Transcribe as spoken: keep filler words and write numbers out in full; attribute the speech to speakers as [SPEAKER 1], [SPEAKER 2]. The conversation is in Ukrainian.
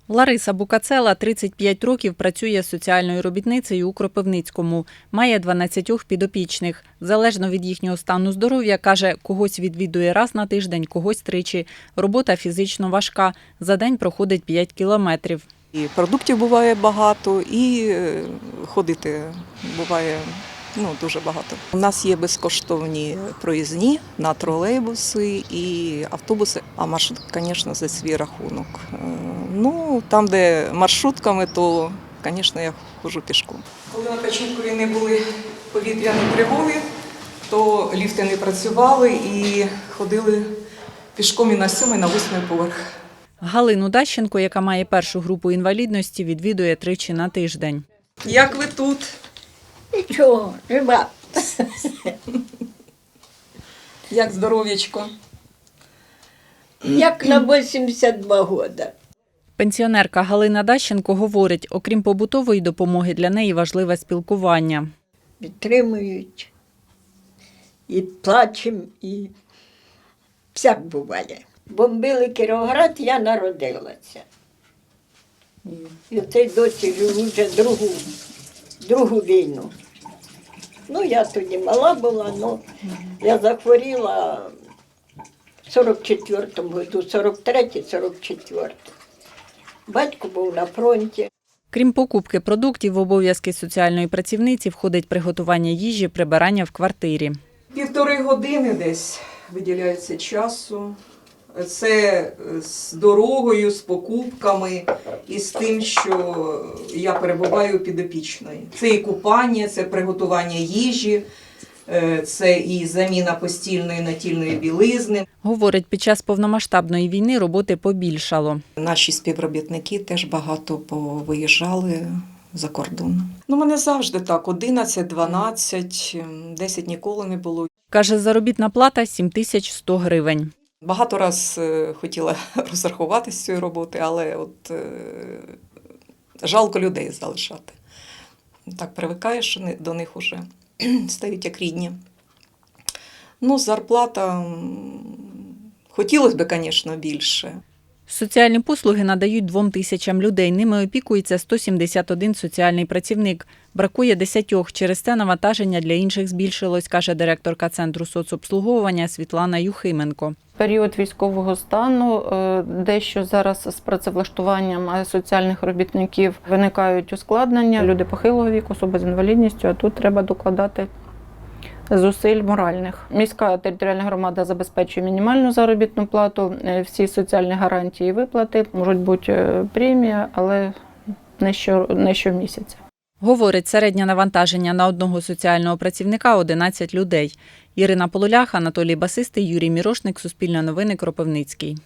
[SPEAKER 1] Лариса Букацела тридцять п'ять років працює соціальною робітницею у Кропивницькому. Має дванадцять підопічних. Залежно від їхнього стану здоров'я, каже, когось відвідує раз на тиждень, когось тричі. Робота фізично важка. За день проходить п'ять кілометрів.
[SPEAKER 2] І продуктів буває багато, і ходити буває ну, дуже багато. У нас є безкоштовні проїзні на тролейбуси і автобуси, а маршрут, звісно, за свій рахунок. Ну, там, де маршрутками, то, звісно, я ходжу пішком. Коли на Качинкові не були повітряні тривоги, то ліфти не працювали і ходили пішком і на сьомий, на восьмий поверх.
[SPEAKER 1] Галину Дащенко, яка має першу групу інвалідності, відвідує тричі на тиждень.
[SPEAKER 2] Як ви тут?
[SPEAKER 3] Нічого, жива.
[SPEAKER 2] Як здоров'ячко?
[SPEAKER 3] Як на вісімдесят два роки.
[SPEAKER 1] Пенсіонерка Галина Дащенко говорить, окрім побутової допомоги, для неї важливе спілкування.
[SPEAKER 3] Підтримують, і плачемо, і всяк буває. Бомбили Кіровоград, я народилася. І оцей досі живу вже другу, другу війну. Ну, я тоді мала була, але я захворіла в сорок четвертому году, сорок третій - сорок четвертий. Батько був на фронті.
[SPEAKER 1] Крім покупки продуктів, в обов'язки соціальної працівниці входить приготування їжі, прибирання в квартирі.
[SPEAKER 2] Півтори години десь виділяється часу. Це з дорогою, з покупками і з тим, що я перебуваю підопічною. Це і купання, це приготування їжі, це і заміна постільної натільної білизни.
[SPEAKER 1] Говорить, під час повномасштабної війни роботи побільшало.
[SPEAKER 2] Наші співробітники теж багато повиїжджали за кордон. Ну, мене завжди так, одинадцять, дванадцять, десять ніколи не було.
[SPEAKER 1] Каже, заробітна плата – сім тисяч сто гривень.
[SPEAKER 2] Багато раз хотіла розрахуватися з цієї роботи, але от е, жалко людей залишати. Так привикаєш, що до них уже стають як рідні. Ну, зарплата, хотілося б, звісно, більше.
[SPEAKER 1] Соціальні послуги надають двом тисячам людей. Ними опікується сто сімдесят один соціальний працівник. Бракує десятьох. Через це навантаження для інших збільшилось, каже директорка Центру соцобслуговування Світлана Юхименко.
[SPEAKER 4] Період військового стану, дещо зараз з працевлаштуванням соціальних робітників виникають ускладнення. Люди похилого віку, особи з інвалідністю, а тут треба докладати зусиль моральних. Міська територіальна громада забезпечує мінімальну заробітну плату, всі соціальні гарантії і виплати, можуть бути премія, але не, що, не щомісяця.
[SPEAKER 1] Говорить, середнє навантаження на одного соціального працівника – одинадцять людей. Ірина Полулях, Анатолій Басистий, Юрій Мірошник, Суспільне новини, Кропивницький.